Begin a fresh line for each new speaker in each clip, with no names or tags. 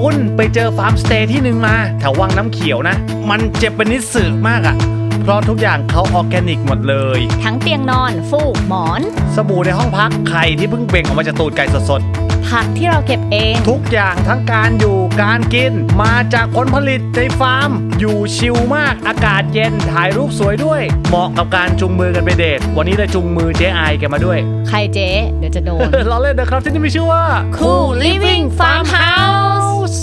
คุณไปเจอฟาร์มสเตย์ที่หนึ่งมาแถววังน้ำเขียวนะมันเจ็บเป็นนิสึมากอะเพราะทุกอย่างเขาออร์แกนิกหมดเลย
ทั้งเตียงนอนฟูกหมอน
สบู่ในห้องพักไข่ที่เพิ่งเบ่งออกมาจากตูดไก่สด
ผักที่เราเก็บเอง
ทุกอย่างทั้งการอยู่การกินมาจากผลผลิตในฟาร์มอยู่ชิลมากอากาศเย็นถ่ายรูปสวยด้วยเหมาะกับการจุงมือกันไปเดทวันนี้เลยจุงมือเจ๊ไอแกมาด้วย
ใครเจ๊เดี๋ยวจะโดน
เราเล่นนะครับที่นี่มีชื่อว่า
Cool Living Farmhouse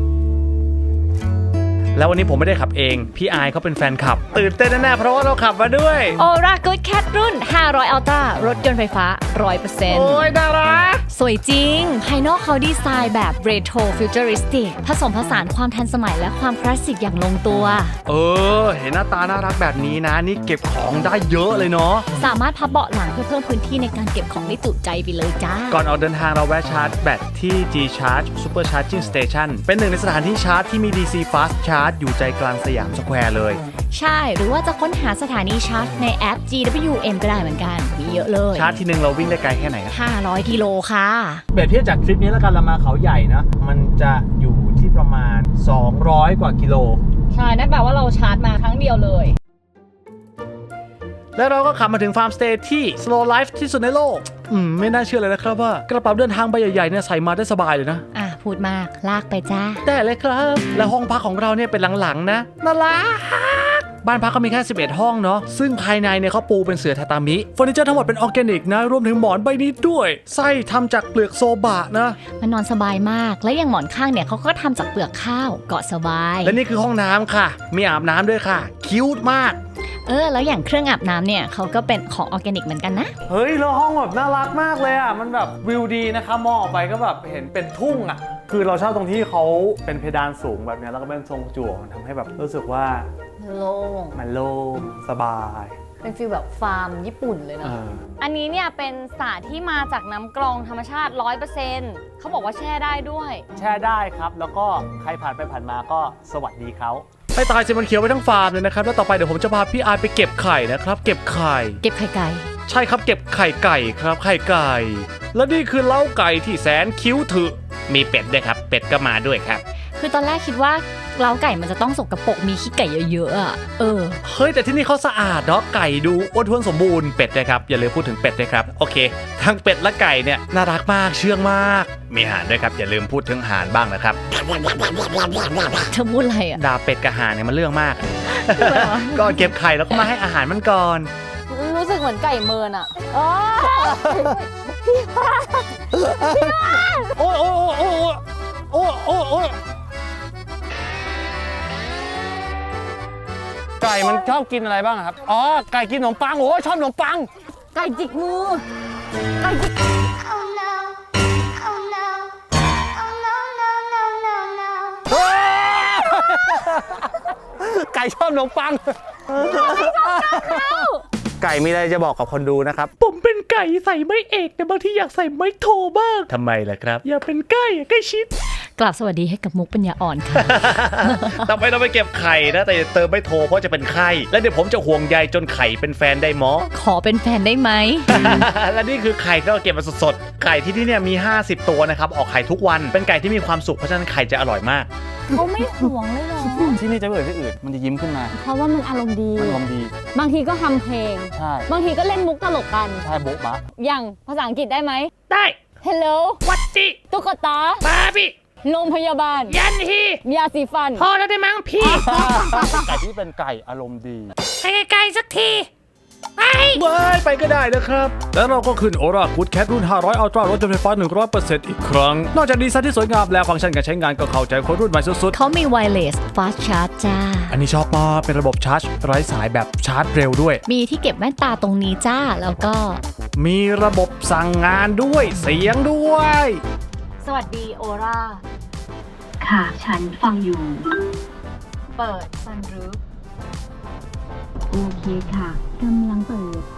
แล้ววันนี้ผมไม่ได้ขับเองพี่ไอเขาเป็นแฟนขับตื่นเต้นแน่ๆเพราะว่าเราขับมาด้วย
Aura Good Cat รุ่น500 Ultra รถยนต์ไฟฟ้า 100%
โอ้ยน่ารัก
สวยจริงภายนอกเขาดีไซน์แบบ Retro Futuristic ผสมผสานความทันสมัยและความคลาสสิกอย่างลงตัว
เห็นหน้าตาน่ารักแบบนี้นะนี่เก็บของได้เยอะเลยเนาะ
สามารถพับเบาะหลังเพื่อเพิ่มพื้นที่ในการเก็บของได้จุใจไปเลยจ้า
ก่อนออกเดินทางเราแวะชาร์จแบตที่ G Charge Super Charging Station เป็นหนึ่งในสถานที่ชาร์จที่มี DC Fast Charge อยู่ใจกลางสยามสแควร์เลย
ใช่หรือว่าจะค้นหาสถานีชาร์จในแอป GWM ก็ได้เหมือนกันมีเยอะเลย
ชาร์จทีนึงเราวิ่งได้ไกลแค่ไหน
500 กิโลค่ะ
เปรียบเทียบจากทริปนี้แล้วกันเรามาเขาใหญ่นะมันจะอยู่ที่ประมาณ200กว่ากิโล
ใช่นั่นแปลว่าเราชาร์จมาครั้งเดียวเลย
แล้วเราก็ขับมาถึงฟาร์มสเตย์ที่ slow life ที่สุดในโลกไม่น่าเชื่อเลยนะครับว่ากระเป๋าเดินทางใบใหญ่ๆเนี่ยใส่มาได้สบายเลยนะ
พูดมากลากไปจ้า
ได้เลยครับและห้องพักของเราเนี่ยเป็นหลังๆนะน่ารักบ้านพักเขามีแค่11ห้องเนาะซึ่งภายในเนี่ยเขาปูเป็นเสื่อทาตามิเฟอร์นิเจอร์ทั้งหมดเป็นออร์แกนิกนะรวมถึงหมอนใบนี้ด้วยไส้ทำจากเปลือกโซบะนะ
มันนอนสบายมากและอย่างหมอนข้างเนี่ยเขาก็ทำจากเปลือกข้าวเกาะสบาย
และนี่คือห้องน้ำค่ะมีอาบน้ำด้วยค่ะคิ้วมาก
แล้วอย่างเครื่องอาบน้ำเนี่ยเขาก็เป็นของออร์แกนิกเหมือนกันนะ
เฮ้ยแล้วห้องแบบน่ารักมากเลยอ่ะมันแบบวิวดีนะคะมองออกไปก็แบบเห็นเป็นทุ่งอ่ะคือเราชอบตรงที่เขาเป็นเพดานสูงแบบนี้แล้วก็เป็นทรงจั่วมันทำให้แบบรู้สึกว่า
โล่ง
มันโล่งสบาย
เป็นฟีลแบบฟาร์มญี่ปุ่นเลยนะอันนี้เนี่ยเป็นสาที่มาจากน้ำกรองธรรมชาติ 100% เขาบอกว่าแช่ได้ด้วย
แช่ได้ครับแล้วก็ใครผ่านไปผ่านมาก็สวัสดีเขาให้ตายสิมันเขียวไปทั้งฟาร์มเลยนะครับแล้วต่อไปเดี๋ยวผมจะพาพี่อาร์ไปเก็บไข่นะครับเก็บไข่
ไก่
ใช่ครับเก็บไข่ไก่ครับไข่ไก่แล้วนี่คือเล้าไก่ที่แสนคิ้วถึกมีเป็ดด้วยครับเป็ดก็มาด้วยครับ
คือตอนแรกคิดว่าเล้าไก่มันจะต้องสกปรกมีขี้ไก่เยอะๆอ่ะ
เฮ้ยแต่ที่นี่เขาสะอาดเนาะไก่ดูอ้วนท้วนสมบูรณ์เป็ดนะครับอย่าลืมพูดถึงเป็ดด้วยครับโอเคทั้งเป็ดและไก่เนี่ยน่ารักมากเชื่องมากมีห่านด้วยครับอย่าลืมพูดถึงห่านบ้างนะครับ
เธอพูดอะไรอ่ะ
ด่าเป็ดกับห่านเนี่ยมันเรื่องมากก็เก็บไข่แล้วก็มาให้อาหารมันก่อน
รู้สึกเหมือนไก่เมินอ่ะ
โอ้ไก่มันชอบกินอะไรบ้างครับไก่กินขนมปังโอ้ชอบขนมปัง
ไก่จิกมือไก่จิก
ไก่ชอบขนมปังไก่มีอะไรจะบอกกับคนดูนะครับผมเป็นไก่ใส่ไม้เอกแต่บางทีอยากใส่ไม้โทบ้างทำไมล่ะครับอย่าเป็นไก่ชิด
กลับสวัสดีให้กับมุกปัญญาอ่อนค่ะ
ต่อไปเราไปเก็บไข่นะแต่อย่าเติมไม่โทเพราะจะเป็นไข่และเดี๋ยวผมจะห่วงใยจนไข่เป็นแฟนได้หมอ
ขอเป็นแฟนได้ไหม
และนี่คือไข่ที่เราเก็บมาสดๆไก่ที่นี่เนี่ยมี50ตัวนะครับออกไข่ทุกวันเป็นไก่ที่มีความสุขเพราะฉะนั้นไข่จะอร่อยมาก
เขาไม่ห่วงเลยหรอ
ที่นี่จะไม่เหมือนที่อื่นมันจะยิ้มขึ้นมา
เพราะว่ามันอารมณ์ดีบางทีก็ทำเพลง
ใช่
บางทีก็เล่นมุกตลกกัน
ใช่โบ๊ะบะ
อย่างภาษาอังกฤษได้ไหม
ได้
Hello
วัดจิ
ตุ๊กตา
บาร์บี้
โรงพยาบาล
ยันฮี
ยาสีฟัน
พอแล้วได้มั้งพี่ไก่ที่เป็นไก่อารมณ์ดี
ไก่สักที
ไปก็ได้นะครับแล้วเราก็ขึ้น Aura Good Cat รุ่น500 Ultra รถยนต์ไฟฟ้า 100% อีกครั้งนอกจากดีไซน์ที่สวยงามแล้วฟังก์ชันการใช้งานก็เข้าใจคนรุ่นใหม่สุด
ๆเขามี Wireless Fast Charge จ้า
อันนี้ชอบมากเป็นระบบชาร์จไร้สายแบบชาร์จเร็วด้วย
มีที่เก็บแว่นตาตรงนี้จ้าแล้วก็
มีระบบสั่งงานด้วยเสียงด้วย
สวัสดี Aura
ค่ะฉันฟังอยู่
เปิด Sunroof
โอเคค่ะกำลังเปิด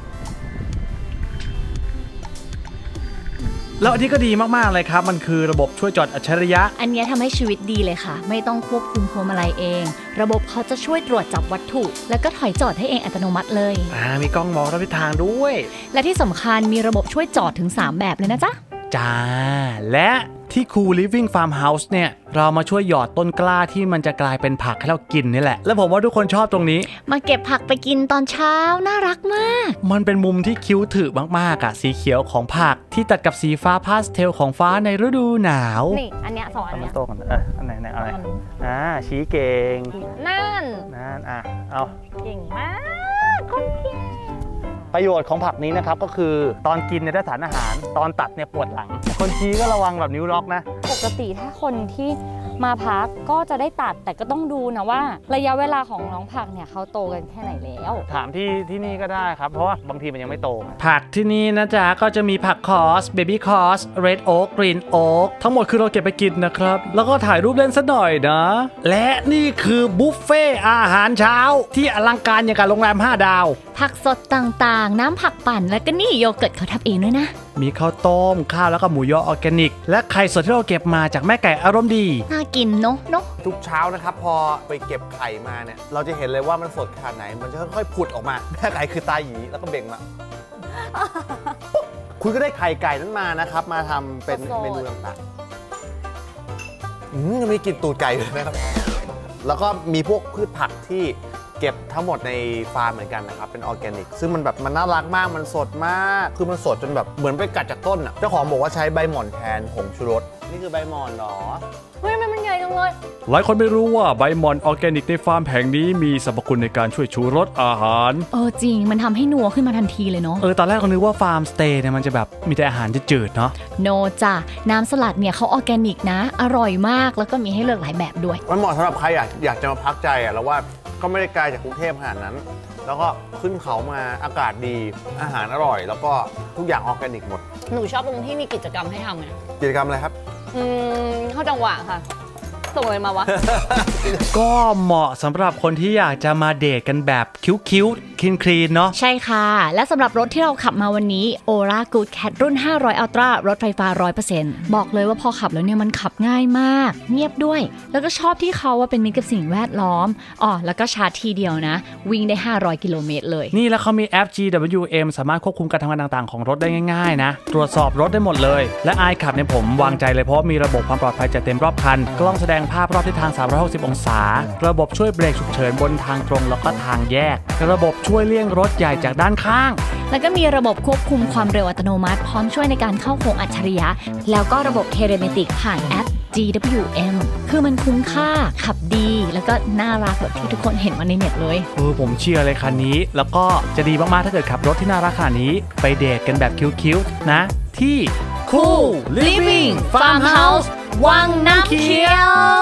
แล้วอันนี้ก็ดีมากๆเลยครับมันคือระบบช่วยจอดอัจฉริยะ
อันนี้ทำให้ชีวิตดีเลยค่ะไม่ต้องควบคุมพวงมาลัยเองระบบเขาจะช่วยตรวจจับวัตถุแล้วก็ถอยจอดให้เองอัตโนมัติเลย
มีกล้องมองรอบทิศทางด้วย
และที่สำคัญมีระบบช่วยจอดถึง3แบบเลยนะจ๊ะ
จ้าและที่ Cool Living Farmhouse เนี่ยเรามาช่วยหยอดต้นกล้าที่มันจะกลายเป็นผักให้เรากินนี่แหละแล้วผมว่าทุกคนชอบตรงนี้
มาเก็บผักไปกินตอนเช้าน่ารักมาก
มันเป็นมุมที่คิ้วถือมากๆอะสีเขียวของผักที่ตัดกับสีฟ้าพาสเทลของฟ้าในฤดูหนาว
นี่อันเนี้ยสองอันเนี้ย
โตกันอันไหนอะไรชี้เก่ง
นั่น
เอา
เก่งมากคนเก่ง
ประโยชน์ของผักนี้นะครับก็คือตอนกินเนี่ยได้สารอาหารตอนตัดเนี่ยปวดหลังคนชี้ก็ระวังแบบนิ้วล็อกนะ
ปกติถ้าคนที่มาพักก็จะได้ตัดแต่ก็ต้องดูนะว่าระยะเวลาของน้องผักเนี่ยเขาโตกันแค่ไหนแล้ว
ถามที่นี่ก็ได้ครับเพราะว่าบางทีมันยังไม่โตผักที่นี่นะจ๊ะก็จะมีผักคอสเบบี้คอสเรดโอ๊กกรีนโอ๊กทั้งหมดคือเราเก็บไปกินนะครับแล้วก็ถ่ายรูปเล่นซะหน่อยนะและนี่คือบุฟเฟ่อาหารเช้าที่อลังการอย่างกับโรงแรม5 ดาว
ผักสดต่างๆน้ำผักปั่นแล้วก็นี่โยเกิร์ตเขาทำเองด้วยนะ
มีข้าวต้มข้าวแล้วก็หมูยอออร์แกนิกและไข่สดที่เราเก็บมาจากแม่ไก่อารมณ์ดี
น่ากินเนาะ
ทุกเช้านะครับพอไปเก็บไข่มาเนี่ยเราจะเห็นเลยว่ามันสดขนาดไหนมันจะค่อยๆผุดออกมาแม่ไก่คือตาหยีแล้วก็เบ่งมา คุณก็ได้ไข่ไก่นั้นมานะครับมาทำเป็นเมนูต่างๆยังมีกลิ่นตูดไก่เลยนะครับแล้วก็มีพวกพืชผักที่เก็บทั้งหมดในฟาร์มเหมือนกันนะครับเป็นออร์แกนิกซึ่งมันแบบมันน่ารักมากมันสดมากคือมันสดจนแบบเหมือนไปกัดจากต้นอ่ะเจ้าของบอกว่าใช้ใบหม่อนแทนผงชูรสนี่คือใบหม่อนเหรอ
เฮ้ยมันใหญ่จังเลย
หลายคนไม่รู้ว่าใบหม่อนออร์แกนิกในฟาร์มแห่งนี้มีสรรพคุณในการช่วยชูรสอาหาร
จริงมันทำให้นัวขึ้นมาทันทีเลยเนาะ
ตอนแรกเรานึกว่าฟาร์มสเตย์เนี่ยมันจะแบบมีแต่อาหารจืดๆเนาะ
โนจ้ะน้ำสลัดเนี่ยเขาออร์แกนิกนะอร่อยมากแล้วก็มีให้เลือกหลายแบบด้วย
มันเหมาะสำหรับใครอยากจะมาพักใจอ่ะแล้วว่าก็ไม่ได้ไกลจากกรุงเทพขนาดนั้น แล้วก็ขึ้นเขามาอากาศดีอาหารอร่อย แล้วก็ทุกอย่างออร์แกนิกหมด
หนูชอบตรงที่มีกิจกรรมให้ทำไง
กิจกรรมอะไรครับ
เข้าจังหวะค่ะ ส่งอะไรมาวะ
ก็เหมาะสำหรับคนที่อยากจะมาเดทกันแบบคิ้วๆคลีนๆเนาะ
ใช่ค่ะ และสำหรับรถที่เราขับมาวันนี้ Aura Good Cat รุ่น 500 Ultra รถไฟฟ้า 100% บอกเลยว่าพอขับแล้วเนี่ยมันขับง่ายมาก เงียบด้วย แล้วก็ชอบที่เขาว่าเป็นมิตรกับสิ่งแวดล้อมแล้วก็ชาร์จทีเดียวนะ วิ่งได้ 500 กิโลเมตรเลย
นี่แล้วเขามีแอป GWM สามารถควบคุมการทำงานต่างๆของรถได้ง่ายๆนะตรวจสอบรถได้หมดเลยและไอขับเนี่ยผมวางใจเลยเพราะมีระบบความปลอดภัยจัดเต็มรอบคันกล้องแสดงภาพรอบทิศทาง 360 องศาระบบช่วยเบรกฉุกเฉินบนทางตรงแล้วก็ทางแยกระบบช่วยเลี่ยงรถใหญ่จากด้านข้าง
แล้วก็มีระบบควบคุมความเร็วอัตโนมัติพร้อมช่วยในการเข้าโค้งอัจฉริยะแล้วก็ระบบเทเลเมติกผ่านแอป GWM คือมันคุ้มค่าขับดีแล้วก็น่ารักแบบที่ทุกคนเห็นมาในเน็ตเลย
ผมเชียร์เลยคันนี้แล้วก็จะดีมากๆถ้าเกิดขับรถที่น่ารักขนาดนี้ไปเดทกันแบบคิ้วๆนะที่ Cool Living Farmhouse วังน้ำเขียว